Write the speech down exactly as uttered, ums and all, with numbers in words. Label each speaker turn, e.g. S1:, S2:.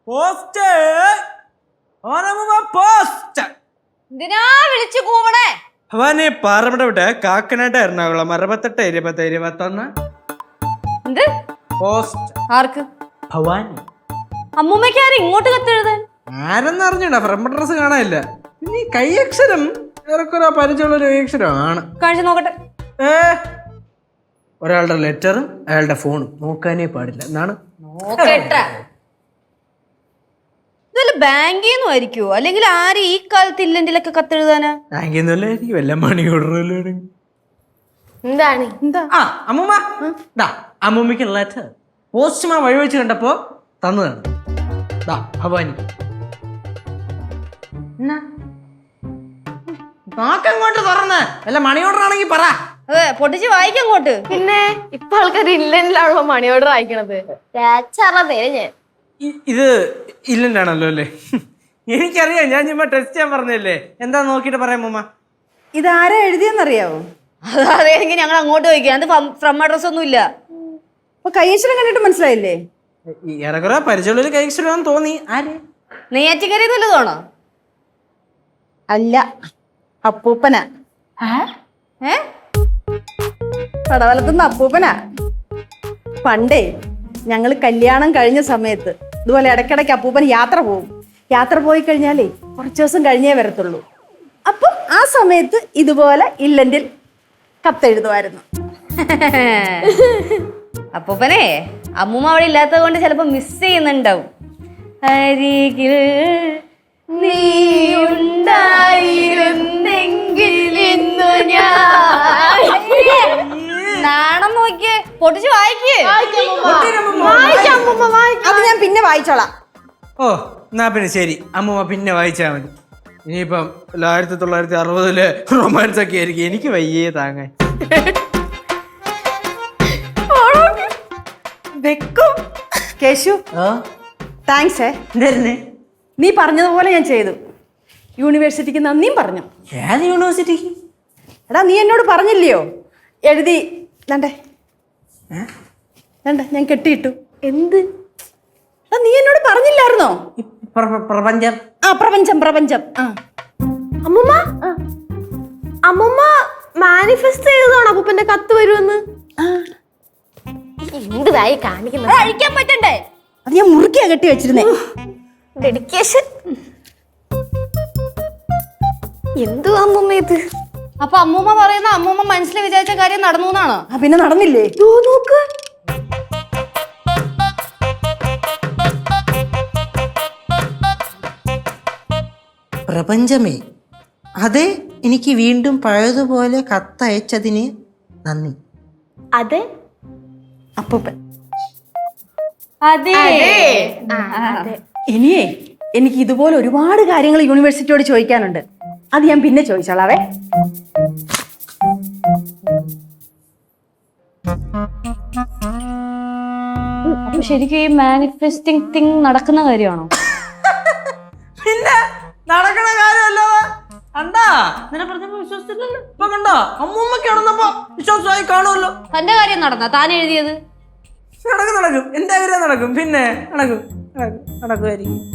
S1: Post post
S2: എന്തിനാ വിളിച്ചു കൂവണേ?
S1: ഭവാനി പാറമട വിട്ട് കാക്കനാട് എറണാകുളം അറുപത്തെട്ട് ഇരുപത്തി ഇരുപത്തൊന്ന്.
S2: എന്ത്
S1: പോസ്റ്റ്
S2: ആർക്ക്?
S1: ഭവാനി.
S2: അമ്മൂമ്മയ്ക്ക് ആരും ഇങ്ങോട്ട് കത്തെഴുതാൻ?
S1: ആരെന്ന് അറിഞ്ഞൂടാ, ഫ്രണ്ട് അഡ്രസ് കാണാനില്ല. പിന്നെ ഈ കൈയക്ഷരം ഏറെക്കുറെ പരിചയമുള്ള ഒരു കൈയക്ഷരമാണ്.
S2: കാണിച്ചു നോക്കട്ടെ.
S1: ഏ ഒരാളുടെ ലെറ്ററും അയാളുടെ ഫോണും നോക്കാനേ പാടില്ല എന്നാണ്.
S2: ഇതല്ല ബാങ്കിൽ നിന്നും ആയിരിക്കുവോ, അല്ലെങ്കിൽ ആര് ഈ കാലത്ത് ഇല്ലണ്ടിലൊക്കെ കത്തെഴുതാനാ?
S1: ബാങ്കിൽ നിന്നല്ലായിരിക്കും, വല്ല മണി ഓർഡർ.
S2: എന്താണ് എന്താ?
S1: ആ അമ്മൂമ്മ, ദാ അമ്മൂമ്മയ്ക്ക് ലെറ്റർ പോസ്റ്റ്മാൻ വഴി വെച്ച് കണ്ടപ്പോ തന്നതാണ്. ദാ ഭവാനി. നോക്കങ്ങോട്ട് തുറന്ന് വല്ല മണി ഓർഡർ ആണെങ്കിൽ പറ.
S2: അതെ, പൊട്ടിച്ച് വായിക്കങ്ങോട്ട്.
S3: പിന്നെ ഇപ്പൊ ആൾക്കാർ ഇല്ലല്ലോ മണി ഓർഡർ അയക്കണത്. ഞാൻ
S1: ഇത് ഇല്ലണ്ടാണല്ലോ അല്ലേ? എനിക്കറിയാം, ഞാൻ ചുമ്മാ ടെസ്റ്റ് ചെയ്യാൻ പറഞ്ഞല്ലേ. എന്താ നോക്കിട്ട് പറയാം അമ്മൂമ്മ.
S4: ഇതാരാ എഴുതിയെന്നറിയാവോ?
S2: അതറിയാമെങ്കിൽ ഞങ്ങൾ അങ്ങോട്ട് ചോദിക്കാം. അത് ഫ്രം അഡ്രസ് ഒന്നും ഇല്ല.
S4: അപ്പൊ കൈയക്ഷരം കണ്ടിട്ട് മനസ്സിലായില്ലേ?
S1: ഏറെക്കുറെ പരിചയമുള്ള കൈക്ഷരം തോന്നി. ആര്?
S2: നെയ്യാറ്റിക്കരയിൽ നല്ലതാണോ?
S4: അല്ല, അപ്പൂപ്പനാ.
S2: ഏ
S4: പടവലത്തുനിന്ന് അപ്പൂപ്പനാ. പണ്ടേ ഞങ്ങൾ കല്യാണം കഴിഞ്ഞ സമയത്ത് ഇതുപോലെ ഇടയ്ക്കിടയ്ക്ക് അപ്പൂപ്പൻ യാത്ര പോകും. യാത്ര പോയി കഴിഞ്ഞാലേ കുറച്ച് ദിവസം കഴിഞ്ഞേ വരത്തുള്ളൂ. അപ്പം ആ സമയത്ത് ഇതുപോലെ ഇല്ലെങ്കിൽ കത്തെഴുതുമായിരുന്നു.
S2: അപ്പൂപ്പനെ അമ്മൂമ്മ അവിടെ ഇല്ലാത്തത് കൊണ്ട് ചിലപ്പോ മിസ് ചെയ്യുന്നുണ്ടാവും. അരികിൽ നീ ഉണ്ടായിരുന്നെങ്കിൽ ഇന്നു ഞാൻ. നാണം നോക്കിയേ, പൊട്ടിച്ച് വായിക്കേ.
S4: അത് ഞാൻ പിന്നെ വായിച്ചോളാം.
S1: ഓ എന്നാ പിന്നെ ശരി അമ്മൂമ്മ, പിന്നെ വായിച്ചാ മതി. ഇനിയിപ്പം ആയിരത്തി തൊള്ളായിരത്തി അറുപതില് റൊമാൻസ് ഒക്കെ ആയിരിക്കും. എനിക്ക് വയ്യേ താങ്ങാൻ.
S4: വെക്കും കേശു, താങ്ക്സ്. നീ പറഞ്ഞതുപോലെ ഞാൻ ചെയ്തു. യൂണിവേഴ്സിറ്റിക്ക് നന്ദിയും പറഞ്ഞു.
S1: ഏത് യൂണിവേഴ്സിറ്റിക്ക്?
S4: എടാ നീ എന്നോട് പറഞ്ഞില്ലയോ എഴുതി വേണ്ടേ വേണ്ട ഞാൻ കെട്ടിയിട്ടു.
S3: എന്ത്?
S4: എടാ നീ എന്നോട് പറഞ്ഞില്ലായിരുന്നോ?
S1: പ്രപഞ്ചം.
S4: ആ പ്രപഞ്ചം പ്രപഞ്ചം. ആ
S3: അമ്മൂമ്മ അമ്മൂമ്മ മാനിഫെസ്റ്റ് ചെയ്തതാണോ അപ്പൂപ്പന്റെ കത്ത് വരുമെന്ന്? എന്തായി കാണിക്കുന്നത്?
S2: അഴിക്കാൻ പറ്റണ്ടേ?
S4: അത് ഞാൻ മുറുക്കിയാ കെട്ടി വെച്ചിരുന്നേ.
S3: ഡെഡിക്കേഷൻ. എന്തു അമ്മൂമ്മ ഇത്?
S2: അപ്പൊ അമ്മൂമ്മ പറയുന്ന അമ്മൂമ്മ മനസ്സിൽ വിചാരിച്ച കാര്യം നടന്നു എന്നാണോ?
S4: ആ പിന്നെ നടന്നില്ലേ?
S3: നോക്ക്.
S5: പ്രപഞ്ചമേ, അതെ, എനിക്ക് വീണ്ടും പഴയതുപോലെ കത്തയച്ചതിന് നന്ദി.
S3: അതെ
S4: അപ്പൂപ്പൻ.
S2: അതെ.
S4: ഇനിയേ എനിക്ക് ഇതുപോലെ ഒരുപാട് കാര്യങ്ങൾ യൂണിവേഴ്സിറ്റിയോട് ചോദിക്കാനുണ്ട്. അത് ഞാൻ പിന്നെ ചോദിച്ചോളാവേ.
S2: അപ്പൊ ശരിക്കും ഈ മാനിഫെസ്റ്റിംഗ് തിങ് നടക്കുന്ന കാര്യമാണോ?
S1: പിന്നെ നടക്കണ കാര്യമല്ലോ. കണ്ടാ നിന്നെ പറഞ്ഞപ്പോ വിശ്വസിച്ചില്ലല്ലോ. ഇപ്പൊ കണ്ടോ അമ്മൂമ്മക്ക് നടന്നപ്പോ വിശ്വാസമായി കാണുമല്ലോ.
S2: തന്റെ കാര്യം നടന്ന താൻ എഴുതിയത്?
S1: നടക്കും നടക്കും, എന്റെ കാര്യം നടക്കും. പിന്നെ നടക്കും നടക്കും നടക്കുമായിരിക്കും.